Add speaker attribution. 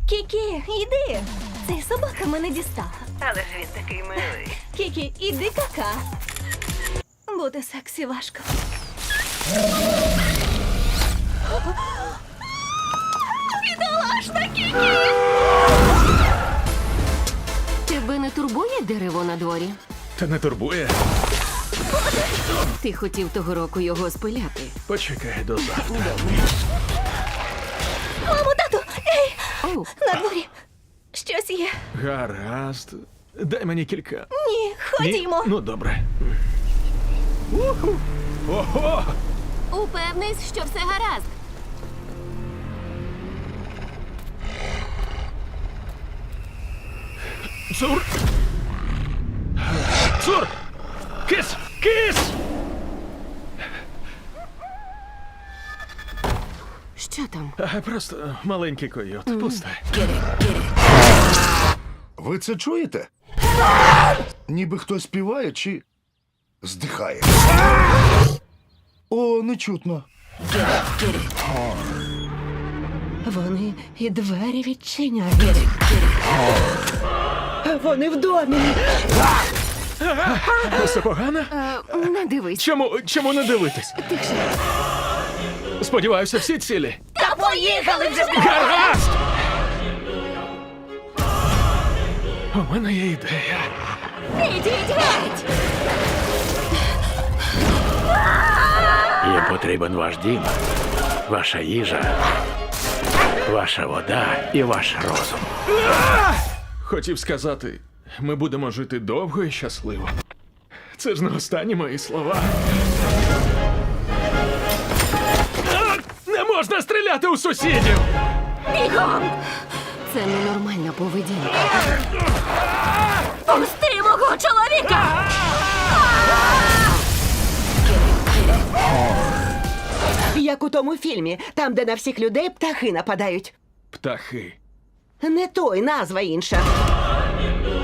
Speaker 1: Кікі, йди. Цей собака мене дістала.
Speaker 2: Але ж він такий милий.
Speaker 1: Кікі, іди кака. Бути сексі важко. Бідолашна Кікі!
Speaker 3: Тебе не турбує дерево на дворі?
Speaker 4: Та не турбує.
Speaker 3: Ти хотів того року його спиляти.
Speaker 4: Почекай до завтра.
Speaker 1: Мамо, тату! Ей!
Speaker 3: Оу,
Speaker 1: На дворі! Щось є.
Speaker 4: Гаразд. Дай мені кілька.
Speaker 1: Ні, ходімо.
Speaker 4: Ну, добре. Уху. Ого!
Speaker 3: упевнись, що все гаразд.
Speaker 4: Цур! Цур! Кис! Кис!
Speaker 3: Що там?
Speaker 4: Просто маленький койот. Пустай.
Speaker 5: Ви це чуєте? Ніби хтось співає чи здихає. О, не чутно.
Speaker 6: Вони і двері відчиняють. Вони в домі.
Speaker 4: Все погано?
Speaker 3: Не дивись.
Speaker 4: Чому не дивитись?
Speaker 3: Тихше.
Speaker 4: Сподіваюся, всі цілі.
Speaker 1: Та поїхали вже!
Speaker 4: Гаразд! У мене є ідея.
Speaker 1: Ідіть геть!
Speaker 7: Їм потрібен ваш дім, ваша їжа, ваша вода і ваш розум.
Speaker 4: Хотів сказати, ми будемо жити довго і щасливо. Це ж не останні мої слова. Не можна стріляти у сусідів!
Speaker 1: Бігом!
Speaker 3: Це ненормальна поведінка.
Speaker 1: Пусти мого чоловіка!
Speaker 6: Як у тому фільмі, там, де на всіх людей птахи нападають.
Speaker 4: Птахи.
Speaker 6: Не той, назва інша.